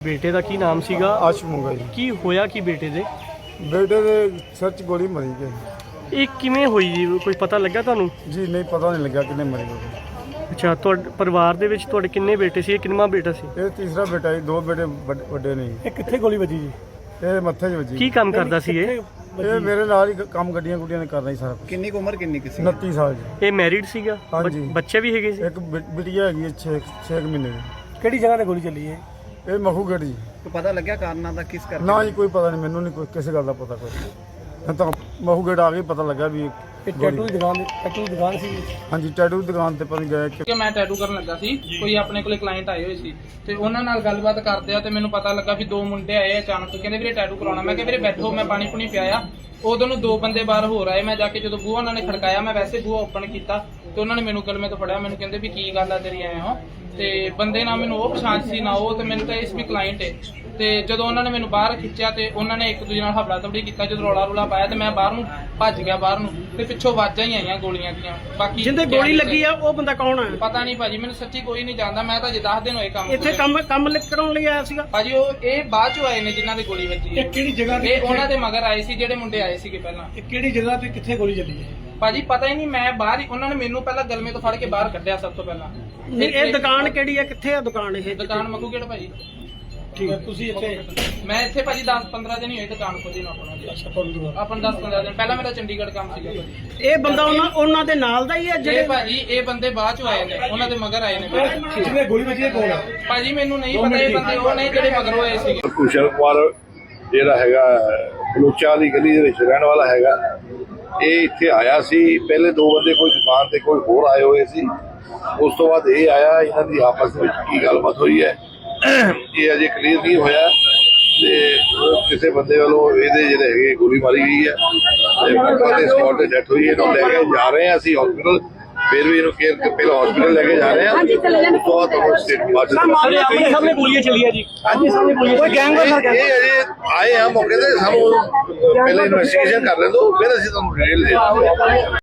ਬੇਟੇ ਦਾ ਕੀ ਨਾਮ ਸੀਗਾ? ਆਸ਼ੂ ਮੰਗਾ ਜੀ। ਕੀ ਹੋਇਆ ਕੀ ਬੇਟੇ ਦੇ ਸਿਰ 'ਚ ਗੋਲੀ ਮਾਰੀ ਗਈ। ਇਹ ਕਿਵੇਂ ਹੋਈ ਜੀ? ਕੋਈ ਪਤਾ ਲੱਗਾ ਤੁਹਾਨੂੰ? ਜੀ ਨਹੀਂ, ਪਤਾ ਨਹੀਂ ਲੱਗਾ ਕਿੰਨੇ ਮਾਰੀ ਗੋਲੀ। ਅੱਛਾ, ਤੁਹਾਡੇ ਪਰਿਵਾਰ ਦੇ ਵਿੱਚ ਤੁਹਾਡੇ ਕਿੰਨੇ ਬੇਟੇ ਸੀ? ਇਹ ਕਿੰਨਵਾਂ ਬੇਟਾ ਸੀ? ਇਹ ਤੀਸਰਾ ਬੇਟਾ ਜੀ, 2 ਬੇਟੇ ਵੱਡੇ ਨੇ ਜੀ। ਇਹ ਕਿੱਥੇ ਗੋਲੀ ਵੱਜੀ ਜੀ? ਇਹ ਮੱਥੇ 'ਚ ਵੱਜੀ। ਕੀ ਕੰਮ ਕਰਦਾ ਸੀ ਇਹ? ਇਹ ਮੇਰੇ ਨਾਲ ਹੀ ਕੰਮ ਗੱਡੀਆਂ ਗੁੱਡੀਆਂ ਨੇ ਕਰਦਾ ਜੀ ਸਾਰਾ ਕੁਛ। ਕਿੰਨੀ ਕੁ ਉਮਰ ਕਿੰਨੀ ਕਿਸੇ 29 ਸਾਲ ਜੀ। ਇਹ ਮੈਰਿਡ ਸੀਗਾ? ਹਾਂਜੀ। ਬੱਚੇ ਵੀ ਹੈਗੇ ਸੀ? ਇੱਕ ਬਿਟੀਆ ਹੈਗੀ ਹੈ 6 ਮਹੀਨੇ ਦੀ। ਕਿਹੜੀ ਜਗ੍ਹਾ ਤੇ ਗੋਲੀ ਚੱਲੀ ਹੈ? ਇਹ ਮਖੂਗੜ੍ਹ ਜੀ। ਕੋਈ ਪਤਾ ਲੱਗਿਆ ਕਾਰਨਾਂ ਦਾ ਕਿਸ ਕਰਕੇ? ਨਾ ਜੀ, ਕੋਈ ਪਤਾ ਨਹੀਂ, ਮੈਨੂੰ ਨਹੀਂ ਕੋਈ ਕਿਸੇ ਗੱਲ ਦਾ ਪਤਾ ਕੋਈ। ਮੈਂ ਤਾਂ ਮਖੂਗੜ੍ਹ ਆ ਕੇ ਪਤਾ ਲੱਗਾ ਵੀ ਇਹ ਟੈਟੂ ਦੀ ਦੁਕਾਨ ਸੀ। ਹਾਂਜੀ, ਟੈਟੂ ਦੀ ਦੁਕਾਨ ਤੇ ਪਤਾ ਗਏ ਕਿ ਮੈਂ ਟੈਟੂ ਕਰਨ ਲੱਗਾ ਸੀ। ਕੋਈ ਆਪਣੇ ਕੋਲੇ ਕਲਾਇੰਟ ਆਏ ਹੋਏ ਸੀ ਤੇ ਉਹਨਾਂ ਨਾਲ ਗੱਲਬਾਤ ਕਰਦੇ ਆ ਤੇ ਮੈਨੂੰ ਪਤਾ ਲੱਗਾ ਵੀ 2 ਮੁੰਡੇ ਆਏ ਅਚਾਨਕ, ਕਹਿੰਦੇ ਵੀਰੇ ਟੈਟੂ ਕਰਾਉਣਾ। ਮੈਂ ਕਿਹਾ ਵੀਰੇ ਬੈਠੋ, ਮੈਂ ਪਾਣੀ ਪੁਣੀ ਪਿਆਇਆ। ਉਦੋਂ ਨੂੰ 2 ਬੰਦੇ ਬਾਹਰ ਹੋਰ ਆਏ। ਮੈਂ ਜਾ ਕੇ ਜਦੋਂ ਬੂਹਾ ਉਹਨਾਂ ਨੇ ਖੜਕਾਇਆ, ਮੈਂ ਵੈਸੇ ਬੂਹਾ ਓਪਨ ਕੀਤਾ ਤੇ ਉਹਨਾਂ ਨੇ ਮੈਨੂੰ ਗਲਮੇ ਤੋਂ ਫੜਿਆ। ਮੈਨੂੰ ਕਹਿੰਦੇ ਵੀ ਕੀ ਗੱਲ ਆ ਤੇਰੀ ਐ ਹੋ? ਤੇ ਬੰਦੇ ਨਾ ਮੈਨੂੰ ਉਹ ਪਛਾਣ ਸੀ ਨਾ ਉਹ, ਤੇ ਮੈਨੂੰ ਤਾਂ ਇਸ ਵੀ ਕਲਾਇੰਟ ਹੈ। ਤੇ ਜਦੋਂ ਉਹਨਾਂ ਨੇ ਮੈਨੂੰ ਬਾਹਰ ਖਿੱਚਿਆ ਤੇ ਉਹਨਾਂ ਨੇ ਇੱਕ ਦੂਜੇ ਨਾਲ ਹਫੜਾ ਤਫੜੀ ਕੀਤਾ। ਜਦੋਂ ਰੌਲਾ ਰੂਲਾ ਪਾਇਆ ਤੇ ਮੈਂ ਬਾਹਰ ਨੂੰ ਭੱਜ ਗਿਆ ਬਾਹਰ ਨੂੰ, ਤੇ ਪਿੱਛੋਂ ਆਵਾਜ਼ਾਂ ਹੀ ਆਈਆਂ ਗੋਲੀਆਂ ਦੀਆਂ। ਬਾਕੀ ਜਿੰਦੇ ਗੋਲੀ ਲੱਗੀ ਆ ਉਹ ਬੰਦਾ ਕੌਣ ਹੈ? ਪਤਾ ਨਹੀਂ ਭਾਜੀ, ਮੈਨੂੰ ਸੱਚੀ ਕੋਈ ਨਹੀਂ ਜਾਣਦਾ। ਮੈਂ ਤਾਂ ਜੇ 10 ਦਿਨ ਹੋਏ ਕੰਮ ਇੱਥੇ ਕੰਮ ਕਰਾਉਣ ਲਈ ਆਇਆ ਸੀਗਾ? ਭਾਜੀ ਇਹ ਬਾਅਦ ਚੋਂ ਆਏ ਨੇ ਜਿਨ੍ਹਾਂ ਦੇ ਗੋਲੀ ਵੱਜੀ ਹੈ। ਇਹ ਕਿਹੜੀ ਜਗ੍ਹਾ ਤੇ? ਇਹ ਉਹਨਾਂ ਦੇ ਮਗਰ ਆਏ ਸੀ ਜਿਹੜੇ ਮੁੰਡੇ ਆਏ ਸੀਗੇ ਪਹਿਲਾਂ। ਇਹ ਕਿਹੜੀ ਜਗ੍ਹਾ ਤੇ ਕਿੱਥੇ ਗੋਲੀ ਚੱਲੀ ਹੈ? ਭਾਜੀ ਪਤਾ ਹੀ ਨਹੀਂ, ਮੈਂ ਬਾਹਰ ਹੀ, ਉਹਨਾਂ ਨੇ ਮੈਨੂੰ ਪਹਿਲਾਂ ਗਲਮੇ ਤੋਂ ਫੜ ਕੇ ਬਾਹਰ ਕੱਢਿਆ ਸਭ ਤੋਂ ਪਹਿਲਾਂ। ਇਹ ਦੁਕਾਨ ਕਿਹੜੀ ਹੈ? ਕਿੱਥੇ ਆ ਦੁਕਾਨ ਇਹ? ਦੁਕਾਨ ਮਖੂਗੜ੍ਹ ਭਾਜੀ। ਠੀਕ ਹੈ, ਤੁਸੀਂ ਇੱਥੇ? ਮੈਂ ਇੱਥੇ ਭਾਜੀ 10-15 ਦਿਨ ਹੀ ਹੋਏ ਦੁਕਾਨ ਖੋਲੀ ਨੂੰ ਆਪਣਾ। ਆਪਾਂ 10-15 ਦਿਨ ਪਹਿਲਾਂ ਮੇਰਾ ਚੰਡੀਗੜ੍ਹ ਕੰਮ ਸੀਗਾ ਭਾਜੀ। ਇਹ ਬੰਦਾ ਉਹਨਾਂ ਦੇ ਨਾਲ ਦਾ ਹੀ ਹੈ ਜਿਹੜੇ ਭਾਜੀ ਇਹ ਬੰਦੇ ਬਾਅਦ ਚੋਂ ਆਏ ਨੇ, ਉਹਨਾਂ ਦੇ ਮਗਰ ਆਏ ਨੇ। ਜਿਹਨੇ ਗੋਲੀ ਵੱਜੀ ਹੈ ਕੌਣ ਹੈ? ਭਾਜੀ ਮੈਨੂੰ ਨਹੀਂ ਪਤਾ, ਇਹ ਬੰਦੇ ਉਹ ਨੇ ਜਿਹੜੇ ਮਗਰੋਂ ਆਏ ਸੀਗੇ। ਕੁਸ਼ਲ ਕੁਮਾਰ ਜਿਹੜਾ ਹੈਗਾ ਬਲੋਚਾ ਦੀ ਗਲੀ ਦੇ ਵਿੱਚ ਰਹਿਣ ਵਾਲਾ ਹੈਗਾ। ਇਹ ਇੱਥੇ ਆਇਆ ਸੀ। ਪਹਿਲੇ 2 ਬੰਦੇ ਕੋਈ ਦੁਕਾਨ ਤੇ ਕੋਈ ਹੋਰ ਆਏ ਹੋਏ ਸੀ। ਉਸ ਤੋਂ ਬਾਅਦ ਇਹ ਆਇਆ। ਇਹਨਾਂ ਦੀ ਆਪਸ ਵਿੱਚ ਕੀ ਗੱਲਬਾਤ ਹੋਈ ਹੈ ਇਹ ਅਜੇ ਕਲੀਅਰ ਨਹੀਂ ਹੋਇਆ। ਤੇ ਕਿਸੇ ਬੰਦੇ ਵੱਲੋਂ ਇਹਦੇ ਜਿਹੜੇ ਹੈਗੇ ਗੋਲੀ ਮਾਰੀ ਗਈ ਹੈ ਤੇ ਮੌਕੇ ਤੇ ਸਪੌਟ ਤੇ ਡੈਥ ਹੋਈ। ਇਹਨੂੰ ਲੈ ਕੇ ਜਾ ਰਹੇ ਹਾਂ ਅਸੀਂ ਹਸਪੀਟਲ। ਫਿਰ ਵੀ ਇਹਨੂੰ ਕੇਅਰ ਪਹਿਲਾਂ ਹਸਪੀਟਲ ਲੈ ਕੇ ਜਾ ਰਹੇ ਹਾਂ। ਉਸ ਤੋਂ ਬਾਅਦ ਤੁਹਾਨੂੰ ਸਟੇਟ ਸਾਹਮਣੇ ਗੋਲੀਆਂ ਚੱਲੀਆਂ ਜੀ। ਹਾਂਜੀ, ਸਾਹਮਣੇ ਗੋਲੀਆਂ। ਕੋਈ ਗੈਂਗ ਇਹ ਅਜੇ ਆਏ ਆ ਮੌਕੇ ਤੇ। ਸਾਨੂੰ ਪਹਿਲਾਂ ਇਨਵੈਸਟੀਗੇਸ਼ਨ ਕਰ ਲੈਣ ਦਿਓ, ਫਿਰ ਅਸੀਂ ਤੁਹਾਨੂੰ ਡਿਟੇਲ ਦੇ ਦਾਂਗੇ।